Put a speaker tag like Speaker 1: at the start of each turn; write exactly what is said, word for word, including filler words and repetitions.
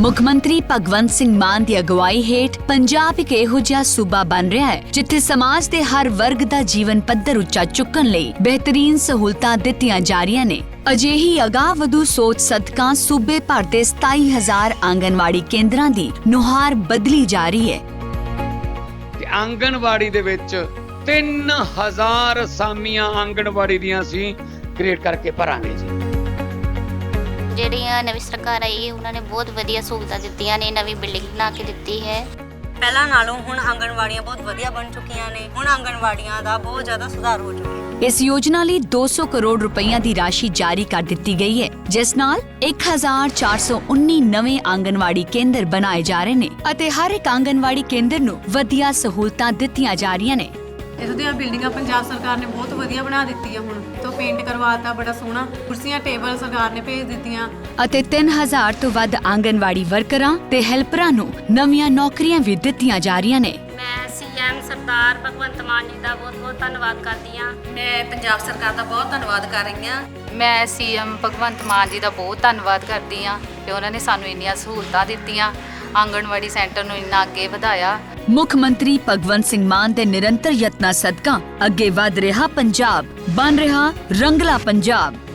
Speaker 1: ਮੁੱਖ ਮੰਤਰੀ ਭਗਵੰਤ ਸਿੰਘ ਮਾਨ ਦੀ ਅਗਵਾਈ ਹੇਠ ਪੰਜਾਬ ਇੱਕ ਇਹੋ ਜਿਹਾ ਸੂਬਾ ਬਣ ਰਿਹਾ ਹੈ ਜਿੱਥੇ ਸਮਾਜ ਦੇ ਹਰ ਵਰਗ ਦਾ ਜੀਵਨ ਪੱਧਰ ਉੱਚਾ ਚੁੱਕਣ ਲਈ ਬਿਹਤਰੀਨ ਸਹੂਲਤਾਂ ਦਿੱਤੀਆਂ ਜਾ ਰਹੀਆਂ ਨੇ। ਅਜਿਹੀ ਅਗਾਂਹਵਧੂ ਸੋਚ ਸਦਕਾ ਸੂਬੇ ਭਰ ਦੇ ਸਤਾਈ ਹਜ਼ਾਰ ਆਂਗਨਵਾੜੀ ਕੇਂਦਰਾਂ ਦੀ ਨੁਹਾਰ ਬਦਲੀ ਜਾ ਰਹੀ ਹੈ।
Speaker 2: ਆਂਗਨਵਾੜੀ ਦੇ ਵਿੱਚ ਤਿੰਨ ਹਜ਼ਾਰ ਅਸਾਮੀਆਂ ਆਂਗਨਵਾੜੀ ਦੀਆਂ ਅਸੀਂ ਕ੍ਰੀਏਟ ਕਰਕੇ ਭਰਾਂਗੇ ਜੀ।
Speaker 3: ਜਿਹੜੀਆਂ ਨਵੀਂ ਸਰਕਾਰ ਆਈ ਹੈ ਉਹਨਾਂ ਨੇ ਬਹੁਤ ਵਧੀਆ ਸਹੂਲਤਾਂ ਦਿੱਤੀਆਂ ਨੇ, ਨਵੀਂ ਬਿਲਡਿੰਗ ਬਣਾ ਕੇ ਦਿੱਤੀ ਹੈ।
Speaker 4: ਪਹਿਲਾਂ ਨਾਲੋਂ ਹੁਣ ਆਂਗਨਵਾੜੀਆਂ ਬਹੁਤ ਵਧੀਆ ਬਣ ਚੁੱਕੀਆਂ ਨੇ। ਹੁਣ ਆਂਗਨਵਾੜੀਆਂ ਦਾ ਬਹੁਤ ਜ਼ਿਆਦਾ ਸੁਧਾਰ ਹੋ ਚੁੱਕਿਆ ਹੈ।
Speaker 1: ਇਸ ਯੋਜਨਾ ਲਈ ਦੋ ਸੌ ਕਰੋੜ ਰੁਪਈਆ ਦੀ ਰਾਸ਼ੀ ਜਾਰੀ ਕਰ ਦਿੱਤੀ ਗਈ ਹੈ, ਜਿਸ ਨਾਲ ਇੱਕ ਹਜ਼ਾਰ ਚਾਰ ਸੌ ਉੱਨੀ ਨਵੇਂ ਆਂਗਨਵਾੜੀ ਕੇਂਦਰ ਬਣਾਏ ਜਾ ਰਹੇ ਨੇ ਅਤੇ ਹਰ ਇੱਕ ਆਂਗਨਵਾੜੀ ਕੇਂਦਰ ਨੂੰ ਵਧੀਆ ਸਹੂਲਤਾਂ ਦਿੱਤੀਆਂ ਜਾ ਰਹੀਆਂ ਨੇ।
Speaker 5: ਇਸ ਦੀਆਂ ਬਿਲਡਿੰਗਾਂ ਪੰਜਾਬ ਸਰਕਾਰ ਨੇ ਬਹੁਤ ਵਧੀਆ ਬਣਾ ਦਿੱਤੀ ਆ। ਹੁਣ ਤੋਂ ਪੇਂਟ ਕਰਵਾਤਾ, ਬੜਾ ਸੋਹਣਾ ਕੁਰਸੀਆਂ ਟੇਬਲ ਸਰਕਾਰ ਨੇ ਭੇਜ ਦਿੱਤੀਆਂ
Speaker 1: ਅਤੇ ਤਿੰਨ ਹਜ਼ਾਰ ਤੋਂ ਵੱਧ ਆਂਗਨਵਾੜੀ ਵਰਕਰਾਂ ਤੇ ਹੈਲਪਰਾਂ ਨੂੰ ਨਵੀਆਂ ਨੌਕਰੀਆਂ ਵੀ ਦਿੱਤੀਆਂ ਜਾ ਰਹੀਆਂ ਨੇ।
Speaker 6: ਮੈਂ ਸੀਐਮ ਸਰਦਾਰ ਭਗਵੰਤ ਮਾਨ ਜੀ ਦਾ ਬਹੁਤ-ਬਹੁਤ ਧੰਨਵਾਦ ਕਰਦੀ ਹਾਂ।
Speaker 4: ਮੈਂ ਪੰਜਾਬ ਸਰਕਾਰ ਦਾ ਬਹੁਤ ਧੰਨਵਾਦ ਕਰ ਰਹੀ ਹਾਂ।
Speaker 7: ਮੈਂ ਸੀਐਮ ਭਗਵੰਤ ਮਾਨ ਜੀ ਦਾ ਬਹੁਤ ਧੰਨਵਾਦ ਕਰਦੀ ਹਾਂ ਕਿ ਉਹਨਾਂ ਨੇ ਸਾਨੂੰ ਇੰਨੀਆਂ ਸਹੂਲਤਾਂ ਦਿੱਤੀਆਂ, ਆਂਗਣਵਾੜੀ ਸੈਂਟਰ ਨੂੰ ਇੰਨਾ ਅੱਗੇ ਵਧਾਇਆ।
Speaker 1: ਮੁੱਖ ਮੰਤਰੀ ਭਗਵੰਤ ਸਿੰਘ ਮਾਨ ਦੇ ਨਿਰੰਤਰ ਯਤਨਾਂ ਸਦਕਾ ਅੱਗੇ ਵਧ ਰਿਹਾ ਪੰਜਾਬ, ਬਣ ਰਿਹਾ ਰੰਗਲਾ ਪੰਜਾਬ।